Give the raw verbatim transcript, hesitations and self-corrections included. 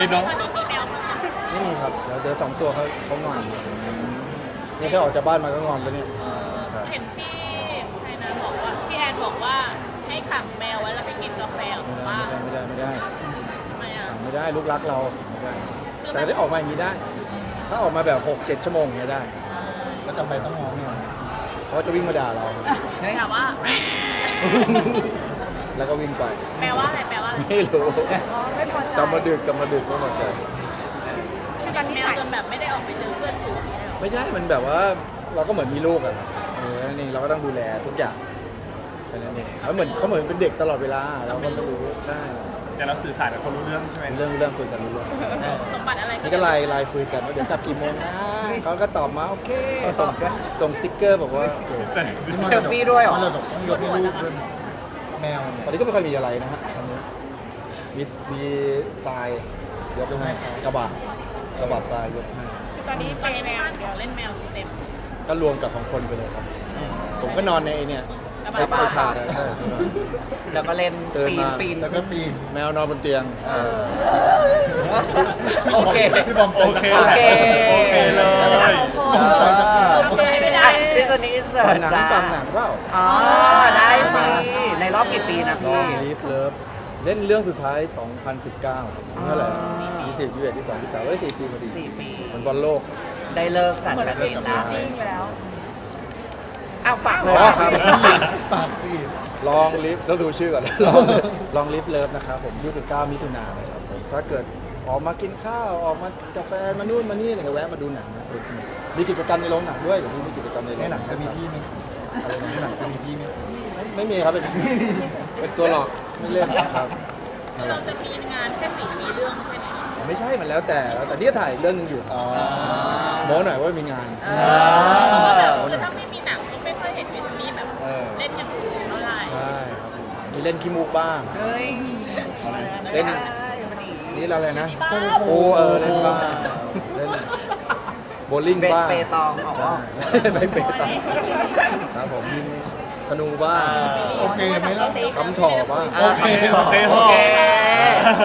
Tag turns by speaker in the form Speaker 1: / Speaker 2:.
Speaker 1: เนาะ
Speaker 2: ไม่มีครับเดี๋ยวเดี๋ยวสองตัวเขาเขางอนนี่แค่ออกจากบ้านมาก็งอนแล้วเนี่ยครับ
Speaker 3: เห็นพี่ไทยนะบอกว่าพี่แอนบอกว่าให้ขังแมวไว้แล้วไปกินกาแฟออก
Speaker 2: ไม่
Speaker 3: มา
Speaker 2: ได้
Speaker 3: บ้าน
Speaker 2: ไม่ได้ไม่ได้
Speaker 3: ทำไมอ่ะ
Speaker 2: ขังไม่ได้ลูกรักเราขังไม่ได้ แต่ได้ออกมาอย่างนี้ได้ ถ้าออกมาแบบหกเจ็ดชั่วโมงเนี่ยได้
Speaker 1: แล้วจำไปต้องมองเนี่ย
Speaker 2: เขาจะวิ่งมาด่าเรา
Speaker 3: แต่ว่า
Speaker 2: แล้วก็วิ่งไป
Speaker 3: แปลว่าอะไรแปลว่าอะไร
Speaker 2: ไม่รู้
Speaker 3: อ๋อไม่พอใจ
Speaker 2: กลับมาดึกกลับมาดึกไม่พอใจ
Speaker 3: คือกินแมวจนแบบไม่ได้ออกไปเจอเพื่อนฝูงเนี่ยหรอ
Speaker 2: ไม่ใช่มันแบบว่าเราก็เหมือนมีลูกอะครับเออนั่นเองเราก็ต้องดูแลทุกอย่างแค่นั้นเองเขาเหมือนเขาเหมือนเป็นเด็กตลอดเวลาเราก็ไม่รู้ใช่
Speaker 1: แต่เราสื่อสารกับคนรู้เรื่องใช่ไหม
Speaker 2: เรื่องเรื่องคุยกันรู้เรื่อง
Speaker 3: สมบัติอะไร
Speaker 2: นี่ก็ไลน์ไลน์คุยกันว่าเดี๋ยวกลับกี่โมงนะเขาก็ตอบมาโอเคส่งส่งสติ๊กเกอร์บอกว่าโอเค
Speaker 1: แต่
Speaker 4: เซลฟี่ด้วยเหรอ
Speaker 1: เราต้องยกให้ลูกด้วยแมว
Speaker 2: ตอนนี้ก็ไม่ค่อยมีอะไรนะฮะตอนนี้มีมีทรายยกให้กระบะกระบะทรายยกให้
Speaker 3: ตอนนี้ตอนนี้แมวของเล่นแมวเต็ม
Speaker 2: ก็รวมกับของคนไปเลยครับ ผมก็นอนในไอ้เนี่ย
Speaker 3: กระ
Speaker 2: ไอ้
Speaker 3: บะ
Speaker 2: ไอ้ถาดอะใช่
Speaker 4: แล้วก็เล่น
Speaker 2: ตื่น
Speaker 4: ปีน
Speaker 2: มา
Speaker 4: ปีน
Speaker 1: แล้วก็ปีน
Speaker 2: แมวนอนบนเตียง
Speaker 4: โอเค
Speaker 1: พี่บอม
Speaker 4: โอเค โอเค
Speaker 1: โอเคเลย
Speaker 3: โอเคไม่ได้
Speaker 4: อ่ะพี่ส่วนนี้อินเสิ
Speaker 2: ฟั
Speaker 4: ร์
Speaker 2: ง
Speaker 4: ต
Speaker 2: หนัง
Speaker 4: จ้า
Speaker 2: ฟังหนังเปล่า
Speaker 4: อ๋อ ได้สิ ในรอบกี่ปีนะ
Speaker 2: ล
Speaker 4: พี่
Speaker 2: องลีฟเลิฟเล่นเรื่องสุดท้าย สองพันสิบเก้าเท่าไหร่ยี่สิบยี่สิบเอ็ดยี่สิบสองยี่สิบสามเอ้ยสี่ปีพอดี
Speaker 4: สี่ปี
Speaker 2: มันบอลโลก
Speaker 4: ได้เลิกจัดกันเองนะอ้าวฝากเลย
Speaker 2: อ๋อครับ
Speaker 1: ปากสิ
Speaker 2: ลองลิฟต้องดูชื่อก่อน ลองลองลิฟเลิฟนะครับผมยี่สิบเก้ามิถุนายนนะครับผมถ้าเกิดออกมากินข้าวออกมากาแฟมานู่นมานี่อะไรก็แวะมาดูหนังนะสนุกๆมีกิจกรรมในโรงหนังด้วยเดี๋ยวนี้มีกิจกรรมในโร
Speaker 1: ใน
Speaker 2: ง
Speaker 1: หนังจะมีพี่ไหม
Speaker 2: อะไร
Speaker 1: ใน
Speaker 2: นะ
Speaker 1: หนังจะมีพี่ไหม
Speaker 2: ไม่ไม่มีครับเป็น เป็นตัวหลอกไม่เล่นครับนั่นแห
Speaker 3: เรา
Speaker 2: ละ
Speaker 3: จะมีงานแค่สี่มีเรื่องแค่นี้
Speaker 2: ไม่ใช่มันแล้วแต่แล้วแต่ที่ถ่ายเรื่องหนึงอยู่
Speaker 1: อ๋อ
Speaker 2: โม้หน่อยว่ามีงาน
Speaker 3: คือถ้าไม่มีหนังก็ไม่ค่อยเห็นวิทนี่แบบ
Speaker 2: เออ
Speaker 3: เล่นอย่างอื่นเท่าไหร่
Speaker 2: ใช่ครับมีเล่นขี้มูกบ้าง
Speaker 4: เฮ้ย
Speaker 2: เล่น
Speaker 4: ได้มาดี
Speaker 2: นี่เราอะไรนะโอ้เออเล่นบ้างเล่นโบว์ลิ่ง
Speaker 4: เบส
Speaker 2: บ้าง
Speaker 4: เปตองอ๋อ
Speaker 2: ใช่ไม่เปตองครับผมยิงธนูบ้าง
Speaker 1: โอเคไหมล่ะ
Speaker 2: คำถ่อบ้าง
Speaker 4: โอเค โอเค